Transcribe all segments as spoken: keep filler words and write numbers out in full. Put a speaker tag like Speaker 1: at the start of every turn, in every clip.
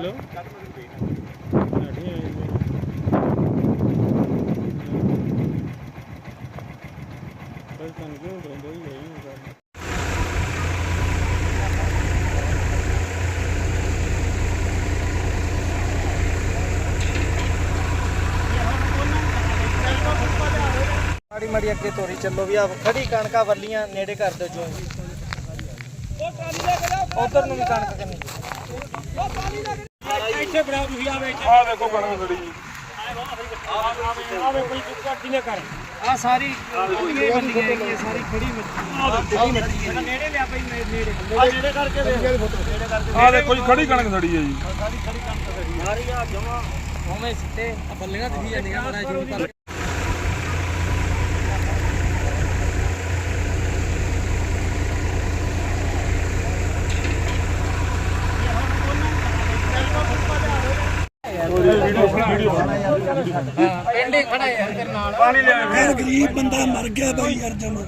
Speaker 1: hello
Speaker 2: माड़ी माड़ी अगे तोरी चलो भी आप खड़ी कणका वलियां नेड़े कर दो जो उधर भी कणक करनी सारी सारी खड़ी
Speaker 1: खड़ी कणक खड़ी है जी
Speaker 2: बल्लियां दिखी जांदियां बड़ा जूम करके
Speaker 3: गरीब बंदा मर गया भाई यार जमा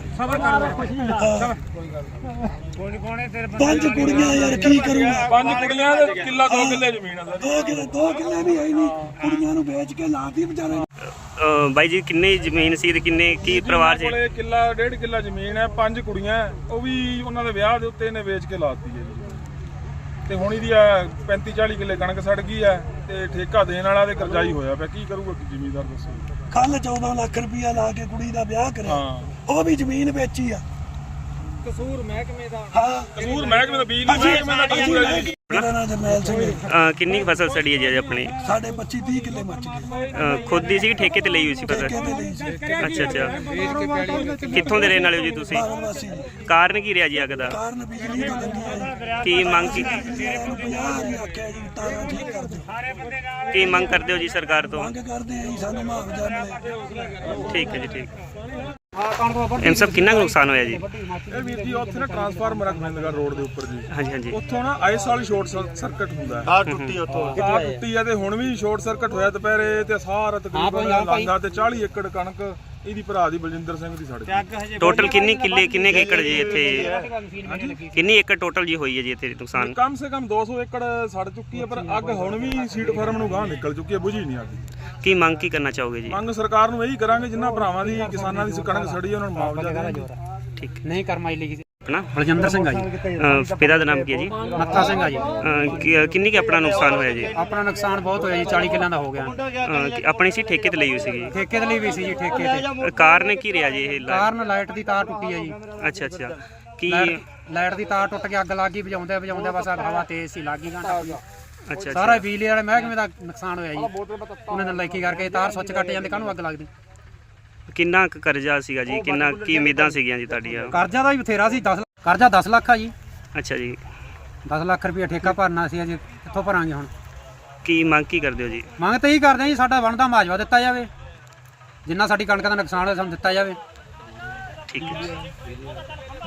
Speaker 3: पांच कुड़ियां यार की करूंगा
Speaker 1: पांच कुड़ियां ते किला दो किले जमीन है
Speaker 3: दो किले दो किले भी है नहीं कुड़ियां नु बेच के लाती बेचारे
Speaker 4: ਬਾਈ ਜੀ ਕਿੰਨੀ ਜ਼ਮੀਨ ਸੀ ਤੇ ਕਿੰਨੇ ਕੀ ਪਰਿਵਾਰ ਚ
Speaker 1: ਕੋਲੇ ਕਿੱਲਾ ਡੇਢ ਕਿੱਲਾ ਜ਼ਮੀਨ ਹੈ ਪੰਜ ਕੁੜੀਆਂ ਉਹ ਵੀ ਉਹਨਾਂ ਦੇ ਵਿਆਹ ਦੇ ਉੱਤੇ ਇਹਨੇ ਵੇਚ ਕੇ ਲਾਤੀ ਹੈ ਜੀ ਤੇ ਹੁਣ ਇਹਦੀ ਆ ਪੈਂਤੀ ਚਾਲੀ ਕਿੱਲੇ ਕਣਕ ਸੜ ਗਈ ਹੈ ਤੇ ਠੇਕਾ ਦੇਣ ਵਾਲਾ ਤੇ ਕਰਜ਼ਾਈ ਹੋਇਆ ਪਿਆ ਕੀ ਕਰੂਗਾ ਜ਼ਿਮੀਂਦਾਰ ਦੱਸੋ
Speaker 3: ਕੱਲ ਚੌਦਾਂ ਲੱਖ ਰੁਪਇਆ ਲਾ ਕੇ ਕੁੜੀ ਦਾ ਵਿਆਹ ਕਰਿਆ ਉਹ ਵੀ ਜ਼ਮੀਨ ਵੇਚੀ ਆ
Speaker 2: ਕਸੂਰ ਮਹਿਕਮੇ ਦਾ
Speaker 3: ਹਾਂ
Speaker 1: ਕਸੂਰ ਮਹਿਕਮੇ ਦਾ ਬਿਜਲੀ ਮਹਿਕਮੇ ਦਾ ਕਸੂਰ ਹੈ ਜੀ
Speaker 3: ਮੇਰਾ ਨਾਮ ਜਰਨੈਲ ਸਿੰਘ ਹੈ
Speaker 4: ਅਹ ਕਿੰਨੀ ਕੁ ਫਸਲ ਸੜੀ ਹੈ ਜੀ ਆਪਣੀ
Speaker 3: ਸਾਡੇ ਪੱਚੀ ਤੀਹ ਕਿੱਲੇ ਮੱਚ ਗਏ
Speaker 4: ਅਹ ਖੁਦ ਦੀ ਸੀ ਠੇਕੇ ਤੇ ਲਈ ਹੋਈ ਸੀ ਫਸਲ
Speaker 3: ਠੇਕੇ ਤੇ ਲਈ ਸੀ
Speaker 4: ਅੱਛਾ ਅੱਛਾ ਕਿੱਥੋਂ ਦੇ ਰਹਿਣ ਵਾਲੇ ਹੋ ਜੀ ਤੁਸੀਂ
Speaker 3: ਬਾਗਲਵਾਸੀ
Speaker 4: ਕਾਰਨ ਕੀ ਰਿਹਾ ਜੀ ਅੱਗ ਦਾ
Speaker 3: ਕਾਰਨ ਬਿਜਲੀ ਦੀ ਤੰਗੀ ਹੈ
Speaker 4: ਕੀ ਮੰਗ ਕੀ
Speaker 3: ਇਹਨੂੰ ਪੰਜਾਹ ਵਾਰੀ ਆਖਿਆ ਜੀ ਤਾਰਾਂ ਠੀਕ ਕਰ ਦਿਓ
Speaker 4: ਕੀ ਮੰਗ ਕਰਦੇ ਹੋ ਜੀ ਸਰਕਾਰ ਤੋਂ
Speaker 3: ਮੰਗ ਕਰਦੇ ਆ ਜੀ ਸਾਨੂੰ ਮੁਆਵਜ਼ਾ ਮਿਲੇ
Speaker 4: ਠੀਕ ਹੈ ਜੀ ਠੀਕ ਇਹ ਸਭ ਕਿੰਨਾ ਕੁ ਨੁਕਸਾਨ ਹੋਇਆ ਜੀ
Speaker 1: ਇਹ ਵੀਰ ਜੀ ਉੱਥੇ ਨਾ ਟਰਾਂਸਫਾਰਮਰ ਆ ਗੋਬਿੰਦਗੜ੍ਹ ਰੋਡ ਦੇ ਉੱਪਰ ਜੀ
Speaker 4: ਹਾਂਜੀ ਹਾਂਜੀ
Speaker 1: ਉੱਥੋਂ ਨਾ ਆਈਸ ਵਾਲੀ ਸ਼ਾਰਟ ਸਰਕਟ ਹੁੰਦਾ ਹੈ
Speaker 2: ਆ ਟੁੱਟੀ ਉਤੋਂ
Speaker 1: ਆ ਟੁੱਟੀ ਆ ਤੇ ਹੁਣ ਵੀ ਸ਼ਾਰਟ ਸਰਕਟ ਹੋਇਆ ਦੁਪਹਿਰੇ ਤੇ ਸਾਰਾ ਤਕਰੀਬਨ ਲਾਂਗਾ ਤੇ ਚਾਲੀ ਏਕੜ ਕਣਕ ਇਹਦੀ ਭਰਾ ਦੀ ਬਲਜਿੰਦਰ ਸਿੰਘ ਦੀ ਸੜ ਗਈ
Speaker 4: ਟੋਟਲ ਕਿੰਨੀ ਕਿੱਲੇ ਕਿੰਨੇ ਕੁ ਏਕੜ ਜੀ ਇੱਥੇ ਕਿੰਨੀ ਏਕੜ ਟੋਟਲ ਜੀ ਹੋਈ ਹੈ ਜੀ ਇੱਥੇ ਨੁਕਸਾਨ
Speaker 1: ਕਮ ਸੇ ਕਮ ਦੋ ਸੌ ਏਕੜ ਸੜ ਚੁੱਕੀ ਹੈ ਪਰ ਅੱਗ ਹੁਣ ਵੀ ਸੀਡ ਫਾਰਮ ਨੂੰ ਗਾਹ ਨਿਕਲ ਚੁੱਕੀ ਹੈ ਬੁਝੀ ਨਹੀਂ ਅੱਗ
Speaker 4: ਕੀ ਮੰਗ ਕੀ ਕਰਨਾ ਚਾਹੋਗੇ ਜੀ
Speaker 1: ਮੰਗ ਸਰਕਾਰ ਨੂੰ ਇਹੀ ਕਰਾਂਗੇ ਜਿਨ੍ਹਾਂ ਭਰਾਵਾਂ ਦੀ ਕਿਸਾਨਾਂ ਦੀ ਕਣਕ ਸੜੀ ਉਹਨਾਂ ਨੂੰ ਮੁਆਵਜ਼ਾ ਦੇਣਗੇ
Speaker 4: ਠੀਕ
Speaker 2: ਨਹੀਂ ਕਰਮਾਈ ਲਈ
Speaker 4: ਆਪਣਾ
Speaker 2: ਬਲਜਿੰਦਰ ਸਿੰਘ ਆ ਜੀ
Speaker 4: ਅਹ ਪਿਤਾ ਦਾ ਨਾਮ ਕੀ ਹੈ ਜੀ
Speaker 2: ਨੱਥਾ ਸਿੰਘ ਆ ਜੀ
Speaker 4: ਅਹ ਕੀ- ਕਿੰਨੀ ਕੁ ਆਪਣਾ ਨੁਕਸਾਨ ਹੋਇਆ ਜੀ
Speaker 2: ਆਪਣਾ ਨੁਕਸਾਨ ਬਹੁਤ ਹੋਇਆ ਜੀ ਚਾਲੀ ਕਿੱਲਿਆਂ ਦਾ ਹੋ ਗਿਆ
Speaker 4: ਅਹ ਕੀ- ਆਪਣੀ ਸੀ ਠੇਕੇ ਤੇ ਲਈ ਹੋਈ ਸੀਗੀ
Speaker 2: ਠੇਕੇ ਦੇ ਲਈ ਵੀ ਸੀ ਜੀ ਠੇਕੇ ਤੇ
Speaker 4: ਅਹ ਕਾਰਨ ਕੀ ਰਿਹਾ ਜੀ ਇਹ ਲਾ-
Speaker 2: ਕਾਰਨ ਲਾਈਟ ਦੀ ਤਾਰ ਟੁੱਟੀ ਹੈ ਜੀ
Speaker 4: ਅੱਛਾ ਅੱਛਾ ਕੀ
Speaker 2: ਲਾਈਟ ਲਾਈਟ ਦੀ ਤਾਰ ਟੁੱਟ ਕੇ ਅੱਗ ਲੱਗ ਗਈ ਵਜਾਉਂਦੇ ਵਜਾਉਂਦੇ ਬਸ ਹਵਾ ਤੇਜ਼ ਸੀ ਲੱਗ ਗਈ ਘੰਟਾ
Speaker 4: ਅੱਛਾ
Speaker 2: ਸਾਰਾ ਬਿਜਲੀ ਵਾਲੇ ਮਹਿਕਮੇ ਦਾ ਨੁਕਸਾਨ ਹੋਇਆ ਜੀ ਉਹਨਾਂ ਨੇ ਲਾਈਕੀ ਕਰਕੇ ਤਾਰ ਸੁੱਚ ਕੱਟ ਜਾਂਦੇ ਕਾਹਨੂੰ ਅੱਗ ਲੱਗਦੀ
Speaker 4: ਕਿੰਨਾ ਕੁ ਕਰਜ਼ਾ ਸੀਗਾ ਜੀ ਕਿੰਨਾ ਕੀ ਉਮੀਦਾਂ ਸੀਗੀਆਂ ਜੀ ਤੁਹਾਡੀਆਂ
Speaker 2: ਕਰਜ਼ਾ ਦਾ ਵੀ ਬਥੇਰਾ ਸੀ ਦਸ ਕਰਜ਼ਾ ਦਸ ਲੱਖ ਆ ਜੀ
Speaker 4: ਅੱਛਾ ਜੀ
Speaker 2: ਦਸ ਲੱਖ ਰੁਪਏ ਠੇਕਾ ਭਰਨਾ ਸੀ ਅਜੇ ਕਿੱਥੋਂ ਭਰਾਂਗੇ ਹੁਣ
Speaker 4: ਕੀ ਮੰਗ ਕੀ ਕਰਦੇ ਹੋ ਜੀ
Speaker 2: ਮੰਗ ਤਾਂ ਇਹੀ ਕਰਦੇ ਹਾਂ ਜੀ ਸਾਡਾ ਬਣਦਾ ਮੁਆਵਜ਼ਾ ਦਿੱਤਾ ਜਾਵੇ ਜਿੰਨਾ ਸਾਡੀ ਕਣਕ ਦਾ ਨੁਕਸਾਨ ਹੋਇਆ ਸਾਨੂੰ ਦਿੱਤਾ ਜਾਵੇ
Speaker 4: ਠੀਕ ਹੈ